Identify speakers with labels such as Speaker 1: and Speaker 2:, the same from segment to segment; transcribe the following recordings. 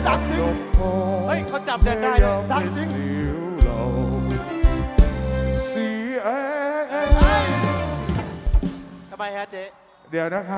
Speaker 1: ดังจริง
Speaker 2: เฮ้ยเขาจำได้เลย
Speaker 1: ดังจริง
Speaker 2: ทำไมฮะเจ๊
Speaker 3: เดี๋ยวนะคะ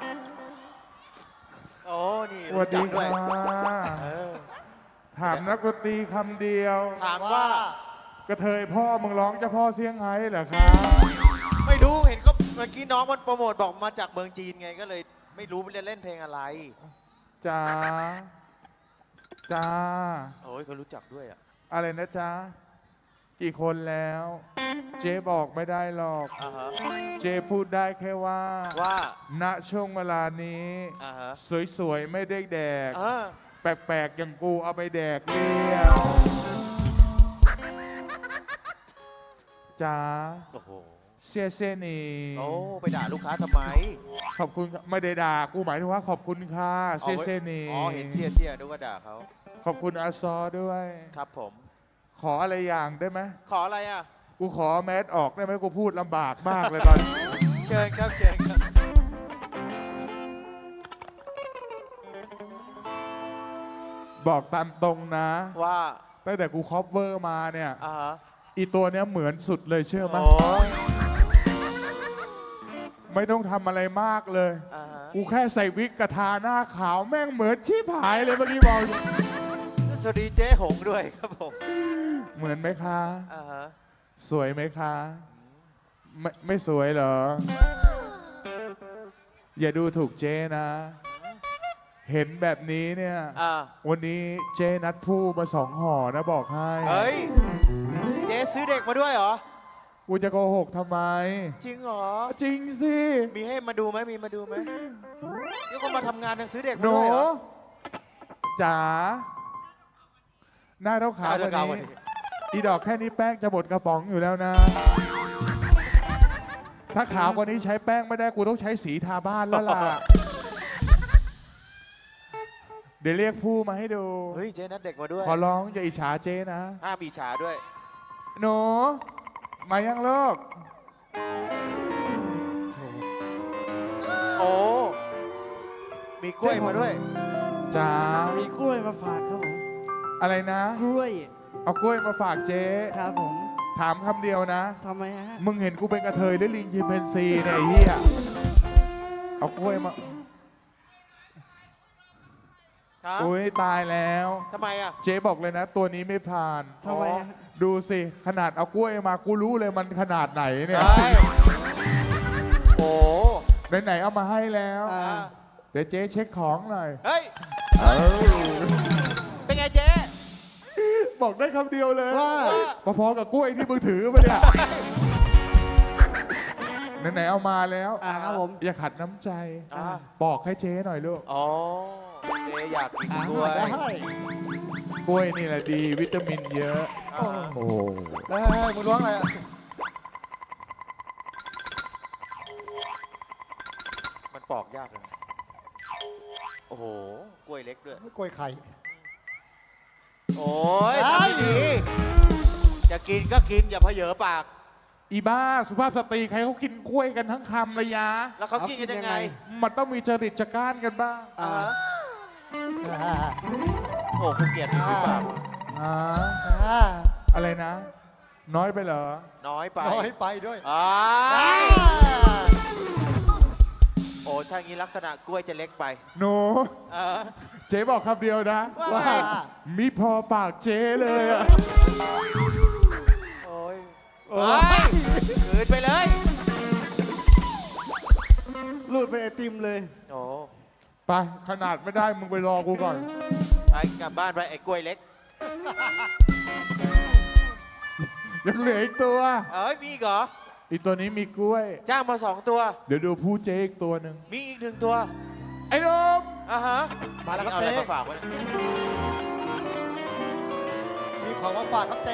Speaker 2: โอ้นี่
Speaker 3: สวัสดี
Speaker 2: ด้วย
Speaker 3: ค่ะถามนักดนตรีคำเดียว
Speaker 2: ถามว่า
Speaker 3: กระเทยพ่อมึงร้องเจ้าพ่อเซี่ยงไฮ้เหรอคะ
Speaker 2: ไม่รู้เห็นก็เมื่อกี้น้องมันโปรโมทบอกมาจากเมืองจีนไงก็เลยไม่รู้เล่นเพลงอะไร
Speaker 3: จ้าจ้า
Speaker 2: โอ้ยเขารู้จักด้วยอ่ะ
Speaker 3: อะไรนะจ๊ะกี่คนแล้ว เจ๊บอกไม่ได้หรอก
Speaker 2: อ่าฮะ
Speaker 3: เจ๊พูดได้แค่ว่า
Speaker 2: ว่า
Speaker 3: ณช่วงเวลานี้
Speaker 2: อ่าฮะ
Speaker 3: สวยๆไม่ได้แดก
Speaker 2: อ่า
Speaker 3: แปลกๆอย่างกูเอาไปแดกเรียวจ้า
Speaker 2: โอ้โห
Speaker 3: เซี่ยเซี่ยหนี
Speaker 2: โอ้ไปด่าลูกค้าทำไม
Speaker 3: ขอบคุณไม่ได้ด่ากูหมายถึงว่าขอบคุณค่ะเซี่ยเซี่ยหนี
Speaker 2: อ๋อเห็นเสียดูว่าด่าเขา
Speaker 3: ขอบคุณอาซอด้วย
Speaker 2: ครับผม
Speaker 3: ขออะไรอย่างได้ไหม
Speaker 2: ขออะไรอ่ะ
Speaker 3: กูขอแมสออกได้ไหมกูพูดลำบากมากเลยตอนนี้
Speaker 2: เชิญครับเชิญครับ
Speaker 3: บอกตามตรงนะ
Speaker 2: ว่า
Speaker 3: ตั้งแต่กูคอปเวอร์มาเนี่ย
Speaker 2: อ่าฮะ
Speaker 3: อีตัวเนี้ยเหมือนสุดเลยเชื่อไหม
Speaker 2: โอ้ย
Speaker 3: ไม่ต้องทำอะไรมากเลย
Speaker 2: อ่าฮะ
Speaker 3: กูแค่ใส่วิกกระทาหน้าขาวแม่งเหมือนชีพหายเลยเมื่อกี้บอกอยู่
Speaker 2: สวัสดีเจ๊หงด้วยครับผม
Speaker 3: เหมือนไหมคะ
Speaker 2: อ่าฮะ
Speaker 3: สวยไหมคะ ไม่สวยเหรอ อย่าดูถูกเจ๊นะ เห็นแบบนี้เนี่ย
Speaker 2: อ่า
Speaker 3: วันนี้เจ๊นัดผู้มา2 ห่อนะบอกให้
Speaker 2: เฮ้ยเจ๊ซื้อเด็กมาด้วยเหรอ
Speaker 3: กูจะโกหกทำไม
Speaker 2: จริงเหรอ
Speaker 3: จริงสิ
Speaker 2: มีให้มาดูไหมมีมาดูไหมเดี๋ยวก็มาทำงานยังซื้อเด็ก
Speaker 3: ห
Speaker 2: มา
Speaker 3: นู
Speaker 2: ด้วยเหรอ
Speaker 3: จ๋าหน้าเท่าขาว
Speaker 2: เจ้
Speaker 3: วัน
Speaker 2: ขาววัน
Speaker 3: นี้
Speaker 2: นี้
Speaker 3: อีดอกแค่นี้แป้งจะหมดกระป๋องอยู่แล้วนะ ถ้าขาวกว่านี้ใช้แป้งไม่ได้กูต้องใช้สีทาบ้านแล้วล่ะ เดี๋ยวเรียกผู้มาให้ดู
Speaker 2: เฮ้ยเจ๊นัดเด็กมาด้วย
Speaker 3: ขอร้องอย่าอิจฉาเจ๊นะ
Speaker 2: ห้ามอิจฉาด้วย
Speaker 3: หนูมายังลูก
Speaker 2: โอ้มีกล้วยมาด้วย
Speaker 3: จ๋า
Speaker 1: มีกล้วยมาฝากครับผม
Speaker 3: อะไรนะ
Speaker 1: กล้วย
Speaker 3: เอากล้วยมาฝากเจ๊
Speaker 1: ครับผม
Speaker 3: ถามคำเดียวนะ
Speaker 1: ทำไมฮะ
Speaker 3: มึงเห็นกูเป็นกระเทยหรือลิงชิมเพนซีเนี่ยไอ้เหี้ยเอากล้วยมา
Speaker 2: ครับ
Speaker 3: โอ้ยตายแล้ว
Speaker 2: ทำไมอ่ะ
Speaker 3: เจ๊บอกเลยนะ ตัวนี้ไม่ผ่าน
Speaker 1: ทำไมฮะ
Speaker 3: ดูสิขนาดเอากล้วยมากูรู้เลยมันขนาดไหนเนี่ย
Speaker 2: เฮ้ยโอ้
Speaker 3: ไหนๆเอามาให้แล้ว
Speaker 1: อ่า
Speaker 3: เดี๋ยวเจ๊เช็คของหน่อย
Speaker 2: เฮ้ยเป็นไงเจ๊
Speaker 3: บอกได้คำเดียวเลย
Speaker 1: ว่า
Speaker 3: พอๆกับกล้วยที่มึงถือมาเนี่ยไหนๆเอามาแล้ว
Speaker 1: ครับผม
Speaker 3: อย่าขัดน้ำใจ
Speaker 2: อ่า
Speaker 3: บอกให้เจ๊หน่อยลูก
Speaker 2: อ๋อเจ๊อยากกินกล้วย
Speaker 1: ได้
Speaker 3: กล้วยนี่แหละดีวิตามินเยอะ
Speaker 2: อ่า
Speaker 3: โอ้
Speaker 1: มึงร้องอะไรอ่ะ
Speaker 2: มันปอกยากเลยโอ้โหกล้วยเล็กด้วย
Speaker 1: กล้วยไข่
Speaker 2: โอ้ยทำไม่ดี จะกินก็กินอย่าเผยปาก
Speaker 3: อีบ้าสุภาพสตรีใครเขากินกล้วยกันทั้งคำเลยยะ
Speaker 2: แล้วเขากินกันยังไง
Speaker 3: มันต้องมีจริตจักร้านกันบ้าง
Speaker 2: อ่าโอ้กูเกลียดนี่หรือเปล่า
Speaker 3: อ่าอะไรนะ น้อยไปเหรอ
Speaker 2: น้อยไป
Speaker 1: น้อยไปด้วย
Speaker 2: อ่าโอ้ถ้างี้ลักษณะกล้วยจะเล็กไป
Speaker 3: หนู
Speaker 2: เออ
Speaker 3: เจ๊บอกคำเดียวนะ
Speaker 2: ว่าไง
Speaker 3: มีพอปากเจ๊เลยอะ
Speaker 2: โอ้ยเฮ้ยคืนไปเลย
Speaker 1: รูดเป็นไอติมเลย
Speaker 2: โอ้
Speaker 3: ไปขนาดไม่ได้มึงไปรอกูก่อน
Speaker 2: ไปกลับบ้านไปไอ้กล้วยเล็ก
Speaker 3: ยังเหลืออีกตัว
Speaker 2: เอ้ยมีอีกเหรอ
Speaker 3: อีกตัวนี้มีกล้วย
Speaker 2: จ้างมา2 ตัว
Speaker 3: เดี๋ยวดูผู้เจ๊อีกตัวหนึ่ง
Speaker 2: มีอีก1 ตัว
Speaker 3: ไอ้นม
Speaker 2: อ่ะฮะ
Speaker 1: มาแล้วครับ
Speaker 2: เอาอะไร
Speaker 1: เจ๊
Speaker 2: มาฝากวะเนี่ย
Speaker 1: มีของมาฝากครับเจ๊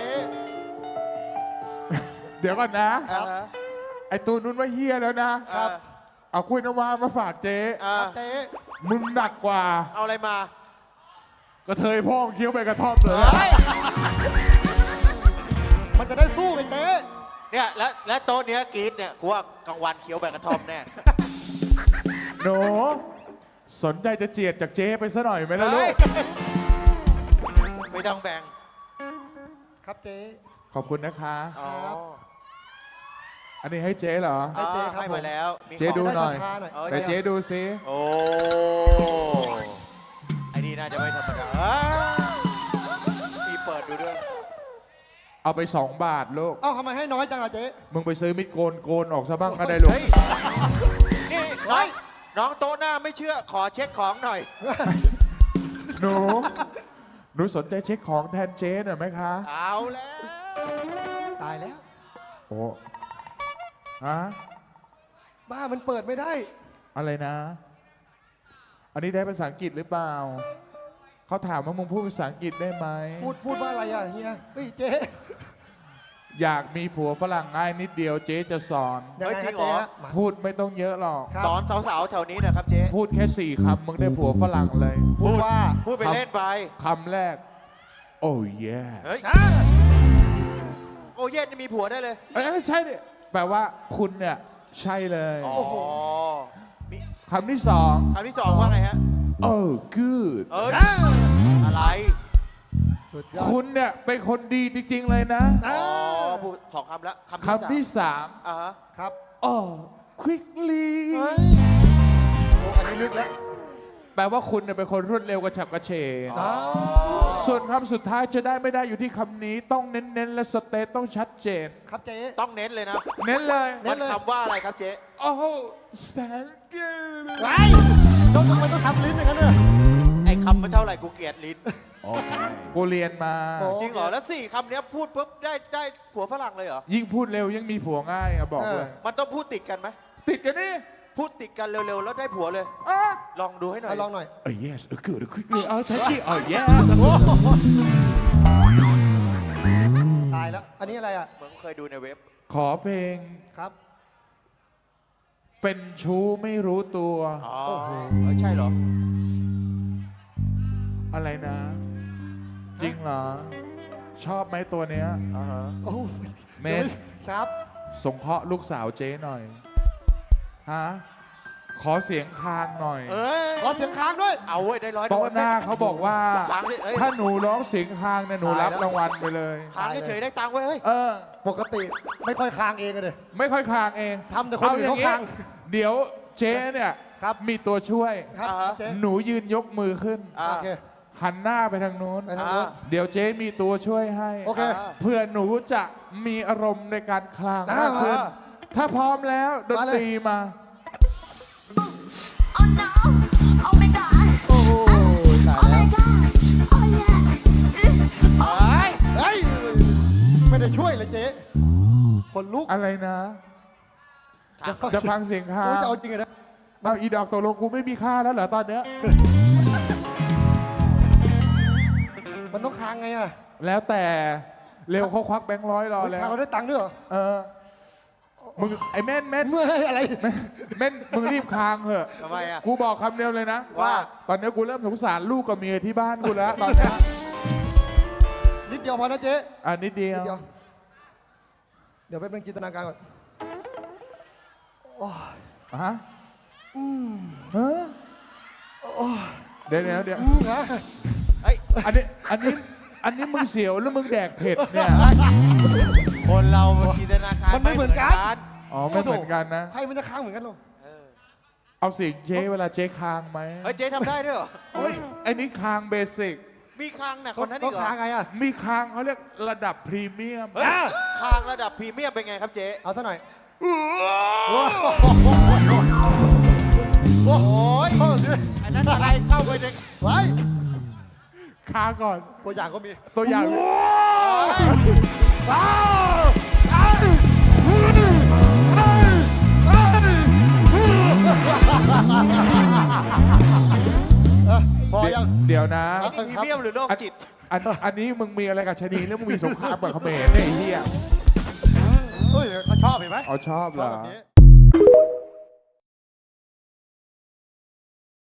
Speaker 3: เดี๋ยวก่อนนะ
Speaker 2: อ่าฮะ
Speaker 3: ไอ้ตัวนู้นว่าเฮียแล้วนะ
Speaker 2: ครับ
Speaker 3: เอากล้วยน้ำว้ามาฝากเจ๊
Speaker 2: อ่า
Speaker 1: เจ๊
Speaker 3: มึงหนักกว่า
Speaker 2: เอาอะไรมา
Speaker 3: กระเทยพ่อเคี้ยวไปกระท่อมเลย
Speaker 2: เฮ้ย
Speaker 1: มันจะได้สู้ไงเจ๊
Speaker 2: เนี่ยและโต๊ะเนี้ยกรีดเนี่ยกูว่ากลางวันเคี้ยวใบกระท่อมแน่
Speaker 3: หนูสนใจจะเจียดจากเจ๊ไปซะหน่อยไหมล่ะลู
Speaker 2: เฮ้ย
Speaker 3: ก
Speaker 2: ต้องแบ่ง
Speaker 1: ครับเจ๊
Speaker 3: ขอบคุณนะคะ
Speaker 2: อ๋อ
Speaker 1: ครับ
Speaker 3: อันนี้ให้เจ๊เหรอ
Speaker 1: ให้เจ๊ครับ
Speaker 2: ให้มาแล้วมี
Speaker 3: เจ๊ดู หน่อย
Speaker 1: ช้าๆหน่อย
Speaker 2: อา
Speaker 3: แต่เจ๊ดูซิ
Speaker 2: โอ้ไอ้นี่น่าจะไม่ธรรมดามีเปิดดูด้วย
Speaker 3: เอาไป2 บาทลูก
Speaker 1: เอ้าทำไมให้น้อยจังล่ะเจ๊
Speaker 3: มึงไปซื้อมิดโกนออกซะบ้างก็ได้ลูก
Speaker 2: เฮ้ยนี่น้องโต๊ะหน้าไม่เชื่อขอเช็คของหน่อย
Speaker 3: หนูสนใจเช็คของแทนเจ๊หน่อยไหมคะ
Speaker 2: เอาแล้ว
Speaker 1: ตายแล้ว
Speaker 3: โอ้ฮะ
Speaker 1: บ้ามันเปิดไม่ได้
Speaker 3: อะไรนะ อันนี้ได้ภาษาอังกฤษหรือเปล่า เขาถามว่ามึงพูดภาษาอังกฤษได้ไหม
Speaker 1: พูดว่าอะไรอ่ะเฮียเฮ้ยเจ๊
Speaker 3: อยากมีผัวฝรั่งง่ายนิดเดียวเจ๊จะสอน
Speaker 1: ยังไง
Speaker 2: เฮ้ยจริ
Speaker 1: ฮะ
Speaker 2: งเหร
Speaker 1: เจ๊
Speaker 2: อ
Speaker 1: ฮะมา
Speaker 3: พูดไม่ต้องเยอะหรอก
Speaker 1: ครับ
Speaker 2: สอนสาวๆแถวนี้นะครับเจ๊
Speaker 3: พูดแค่ 4 คำมึงได้ผัวฝรั่งเลย
Speaker 1: พูดว่า
Speaker 2: พูดไปเล่นไป
Speaker 3: คำแรก โอ้ย
Speaker 2: เฮ้ย
Speaker 1: อ่า
Speaker 2: โอเย็นมีผัวได้เลย
Speaker 3: เอ้ยใช่ดิแปลว่าคุณเนี่ยใช่เลย
Speaker 2: อ๋อมี
Speaker 3: คำที่ 2
Speaker 2: คำที่สองว่าไงฮะ
Speaker 3: โอ้ good
Speaker 2: เอ้ยอะไร
Speaker 1: สุดยอด
Speaker 3: คุณเนี่ยเป็นคนดีจริงๆเลยนะ
Speaker 1: อ่า
Speaker 2: อ๋อพูดสองคำแล้ว
Speaker 3: คำที่
Speaker 2: อ่าฮะ
Speaker 1: ครับ
Speaker 3: 3 โอ้ quickly
Speaker 2: เฮ้ย
Speaker 1: โอ้อันนี้ลึกแล้ว
Speaker 3: แปลว่าคุณเนี่ยเป็นคนรวดเร็วกระฉับกระเฉง
Speaker 1: อ๋อ
Speaker 3: ส่วนคำสุดท้ายจะได้ไม่ได้อยู่ที่คำนี้ต้องเน้นๆ และสเตตต้องชัดเจน
Speaker 1: ครับเจ๊
Speaker 2: ต้องเน้นเลยนะ
Speaker 3: เน้นเลย
Speaker 1: เน้
Speaker 2: มัน
Speaker 1: นเลย
Speaker 2: คำว่าอะไรครับเจ๊
Speaker 3: โอ้ thank you
Speaker 1: ไว้ต้องทำไมต้องทำลิ้นอย่างนั้นเนี่ย
Speaker 2: ไอ้คำมันเท่าไหร่กูเกลียดลิ้น
Speaker 3: กูเรียนมา
Speaker 1: โอ้
Speaker 2: จริงเหรอ แล้วสี่คำเนี้ยพูดปุ๊บได้ผัวฝรั่งเลยเหรอ
Speaker 3: ยิ่งพูดเร็วยิ่งมีผัวง่ายอะบอกเลย
Speaker 2: มันต้องพูดติดกันไหม
Speaker 3: ติดกันนี่
Speaker 2: พูดติดกันเร็วๆ แล้วได้ผัวเลย
Speaker 3: อ่ะ
Speaker 2: ลองดูให้หน่อย
Speaker 1: เอาลองหน่อย
Speaker 3: yes good quickly ชัดที่yes
Speaker 1: ตายแล้ว อันนี้อะไรอ่ะ
Speaker 2: เหมือนเคยดูในเว็บ
Speaker 3: ขอเพลง
Speaker 1: ครับ
Speaker 3: เป็นชู้ไม่รู้ตัว
Speaker 2: อ๋อเอ้ยใช่เหรอ
Speaker 3: อะไรนะ จริงเหรอ ชอบไหมตัวเนี้ย
Speaker 2: อ่าฮะ
Speaker 1: โอ้
Speaker 3: เมน
Speaker 1: ครับ
Speaker 3: สงเคราะห์ลูกสาวเจ๊หน่อย ฮะ ขอเสียงคางหน่อย
Speaker 2: เอ้ย
Speaker 1: ขอเสียงค้างด้วย
Speaker 2: เอาเว้ยได้ร้อย
Speaker 3: โต๊ะหน้าเขาบอกว่า
Speaker 2: ค้างดิเอ้ย
Speaker 3: ถ้าหนูร้องเสียงคางเนี่ยหนูรับ
Speaker 1: ตายแล้ว
Speaker 3: รางวัลไปเลย
Speaker 2: ค้างเฉยๆได้ตังค์ไว้ยเฮ้ย
Speaker 3: เออ
Speaker 1: ปกติไม่ค่อยค้างเองเลย
Speaker 3: ไม่ค่อยคางเอง
Speaker 1: ทำแต่คนอื่นเขาคาง
Speaker 3: เดี๋ยวเจ๊เนี่ย
Speaker 1: ครับ
Speaker 3: มีตัวช่วย
Speaker 1: ครับ
Speaker 2: อ่าฮะ
Speaker 1: เจ๊
Speaker 3: หนูยืนยกมือขึ้น
Speaker 2: อ่า
Speaker 1: โอเค
Speaker 3: หันหน้าไปทางนู้น
Speaker 1: ไปทางนู้น
Speaker 3: เดี๋ยวเจ๊มีตัวช่วยให้
Speaker 1: โอเค
Speaker 3: เพื่อหนูจะมีอารมณ์ในการคลาง
Speaker 1: อ่าม
Speaker 3: ากขึ้น
Speaker 1: อ่า
Speaker 3: ถ้าพร้อมแล้วดน
Speaker 1: มาเลย
Speaker 3: ตรีมา
Speaker 4: Oh no! Oh my god!
Speaker 1: โอ้โหตาย
Speaker 4: Oh
Speaker 1: แล้ว
Speaker 4: my god! Oh yeah!
Speaker 2: เฮ้ย
Speaker 1: เฮ้ย ไม่ได้ช่วยเลยเจ๊คนลุก
Speaker 3: อะไรนะ จะฟังเสียงคาง
Speaker 1: โอ้ยจะเอาจริงเหรอนะ
Speaker 3: เอาอีดอกตกลงกูไม่มีค่าแล้วเหรอตอนเนี้ย
Speaker 1: มันต้องค้างไงอ่ะ
Speaker 3: แล้วแต่เร็วเขาควักแบงค์ร้อยรอแล้ว
Speaker 1: ค้างเราได้ตังค์ด้วยเหรอ
Speaker 3: เออมึงไอ้เม่น
Speaker 1: เมื่อยอะไร
Speaker 3: เม่นมึงรีบคางเถอะ
Speaker 2: ทำไมอ่ะ
Speaker 3: กูบอกคำเดียวเลยนะ
Speaker 2: ว่า
Speaker 3: ตอนนี้กูเริ่มสงสารลูกกับเมียที่บ้านกูแล้วตอนเนี้ย
Speaker 1: นิดเดียวพอนะเจ๊
Speaker 3: อ่ะนิดเดีย
Speaker 1: นิ
Speaker 3: ว
Speaker 1: ดเดียว เดี๋ยวไปเป็นจินตนาการก่อน
Speaker 3: ฮะเออเดี๋ยวเดี๋ยว
Speaker 1: นะ
Speaker 2: เฮ้ย
Speaker 3: อันนี้มึงเสียวแล้วมึงแดกเผ็ดเนี่ย
Speaker 2: คนเราจินตนาการ
Speaker 1: มันไม่เหมือนกัน
Speaker 3: อ๋อไม่เหมือนกันนะ
Speaker 1: ใครมันจะค้างเหมือนกันหรอ
Speaker 2: เออ
Speaker 3: เอาเสียงเจ๊เวลาเจ๊คางไหม
Speaker 2: เฮ้ยเจ๊ทำได้ด้วยเหรอ
Speaker 3: โอ้ยไอ้นี่คางเบสิก
Speaker 2: มีคางน่ะคนนั้น
Speaker 1: ต้
Speaker 2: อี
Speaker 1: อง
Speaker 2: กเหรอ
Speaker 1: ค้างไงอ่ะ
Speaker 3: มีคางเขาเรียกระดับพรีเมียม
Speaker 2: เฮ้ยคางระดับพรีเมียมเป็นไงครับเจ๊
Speaker 1: เอาซะหน่อย
Speaker 2: โอ้ยอันนั้นอะไรเข้าไปใน
Speaker 1: ไว้
Speaker 3: คางก่อน
Speaker 1: ตัวอย่างก็มี
Speaker 3: ตัวอย่าง
Speaker 1: พอยัง
Speaker 3: เดี๋ยวนะ
Speaker 2: พรีเมียมหรือโรคจิต
Speaker 3: อันนี้มึงมีอะไรกับชะนีหรือมึงมีสงครามกับเขมรเนี่ยไอ้เหี้ย
Speaker 1: เฮ้ยเขาชอบเห็นไหม
Speaker 3: เอาชอบเห
Speaker 1: ช
Speaker 3: ร
Speaker 1: อบ
Speaker 3: อ
Speaker 1: แบบนี้